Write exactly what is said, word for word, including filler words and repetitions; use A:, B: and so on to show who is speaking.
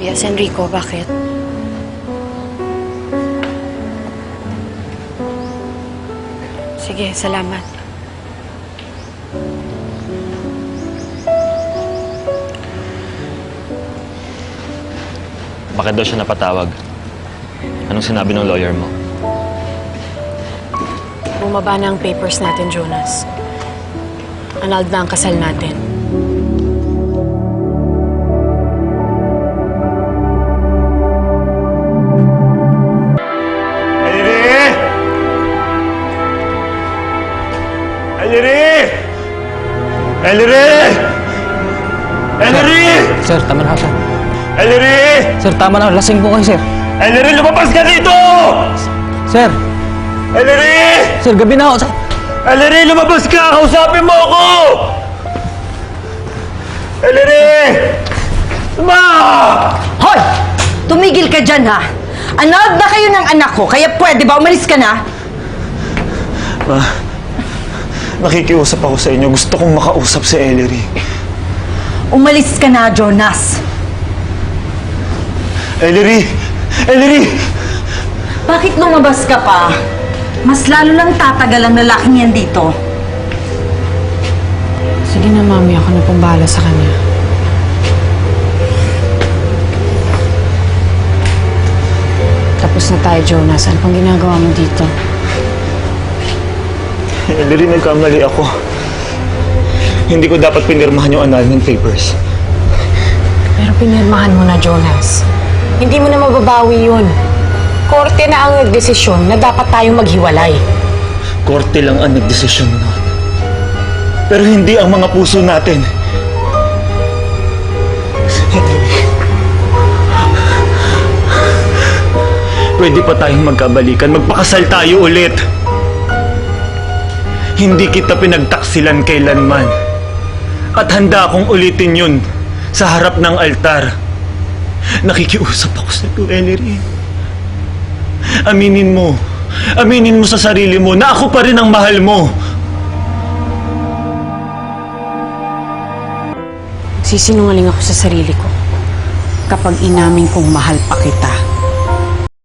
A: Yes, Enrico, bakit? Sige, salamat.
B: Bakit daw siya napatawag? Anong sinabi ng lawyer mo?
A: Bumaba na ang papers natin, Jonas. Annulled na ang kasal natin.
C: Ellery! Ellery! Ellery! Ellery!
D: Sir, tama na, sir.
C: Ellery!
D: Sir, tama na. Lasing po kayo, sir.
C: Ellery, lumabas ka dito!
D: Sir!
C: Ellery!
D: Sir, gabi na ako, sir.
C: Ellery, lumabas ka! Kausapin mo ako! Ellery! Ma!
E: Hoy! Tumigil ka dyan, ha? Annulled na kayo ng anak ko, kaya pwede ba umalis ka na?
C: Ma, nakikiusap ako sa inyo. Gusto kong makausap si Ellery.
E: Umalis ka na, Jonas.
C: Ellery! Ellery!
E: Bakit lumabas ka pa? Mas lalo lang tatagal ang lalaking yan dito.
A: Sige na, Mami. Ako na pong bahala sa kanya. Tapos na tayo, Jonas. Ano pang ginagawa mo dito?
C: Ellery, nagkamali ako. Hindi ko dapat pinirmahan yung annulment papers.
A: Pero pinirmahan mo na, Jonas. Hindi mo na mababawi yun. Korte na ang nagdesisyon na dapat tayong maghiwalay.
C: Korte lang ang nagdesisyon nun. Pero hindi ang mga puso natin. Pwede pa tayong magkabalikan. Magpakasal tayo ulit. Hindi kita pinagtaksilan kailanman. At handa akong ulitin yun sa harap ng altar. Nakikiusap ako sa iyo, Ellery. Aminin mo. Aminin mo sa sarili mo na ako pa rin ang mahal mo.
A: Sisinungaling ako sa sarili ko kapag inamin kong mahal pa kita.